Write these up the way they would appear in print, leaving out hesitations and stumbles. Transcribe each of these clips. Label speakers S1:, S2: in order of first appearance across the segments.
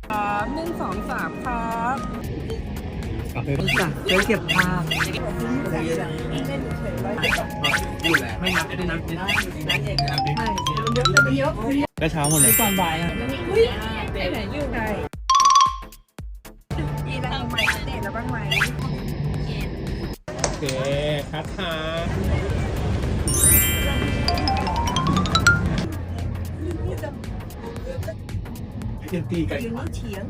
S1: 1 2 3ครับ
S2: จ้ะเคยเก็บภาพ
S3: อยู่แหละไม่นับไม่นับไม่นับ
S2: ก็เช้าหมดเลยตอนบ่ายอ่ะ
S1: ไปไหนอยู่ไหนมีอะไรใหม่อัปเดตแล้วบ้างไหม
S3: โอเคครับค่ะยังตีกัน
S1: ยืนเถียง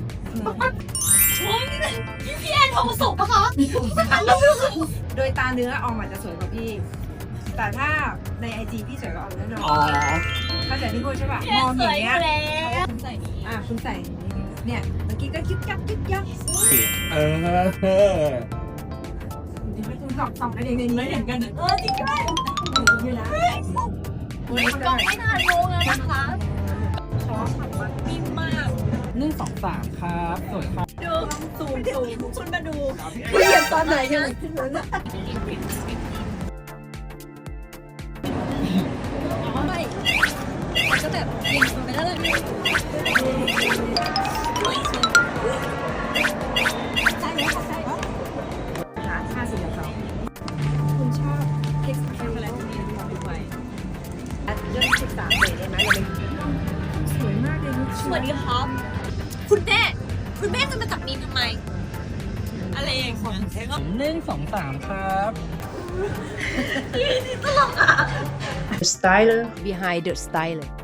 S4: พี่แอนทองผสมปะคะ
S1: โดยตาเนื้อออมอาจจะสวยกว่าพี่ แต่ถ้าในไอจีพี่สวยกว่าออมแน่นอน
S3: อ๋อ
S1: เข้าใจที่พูดใช่ป่ะ
S4: พี่
S1: ม
S4: แอ
S1: อน ง
S4: ส
S1: อ
S4: วย
S1: ย่าง
S4: อ
S1: เงี้ย
S4: ยู่แล้วใส่นี้
S1: คุณใส่เนี่ยเมื่อกี้ก็ยึกยักยึกยัก
S3: เออ
S1: คุณสองกันเองไม่เห็นกัน
S4: จริงด้วย
S1: อยู่นะ
S4: ก็ไม่นานโมงแล้วนะคะ
S1: ชอบผักมัน
S4: นิ่มมาก
S2: 1 2 3ครับสวยครับ
S4: ดูสูงคุณมาดู
S1: พี่เรียนตอนไหนยังขึ้นเลยนะ
S4: ไม่ก็แบบยิงไปแล้วเลยใช่ไหมคะใช่
S1: หา50กับเขาคุณชอบเค้กช็อกโกแลตนี้ของพี่ไปเรื่อง13เลยได้ไหมเราไปสวยมากเลยลูก
S4: สวัสดีครับ คุณแม่จะมาจับมีนทำไม อะไรอย่างเงี้ย
S2: 1 2 3ครับ
S5: The styler behind the styler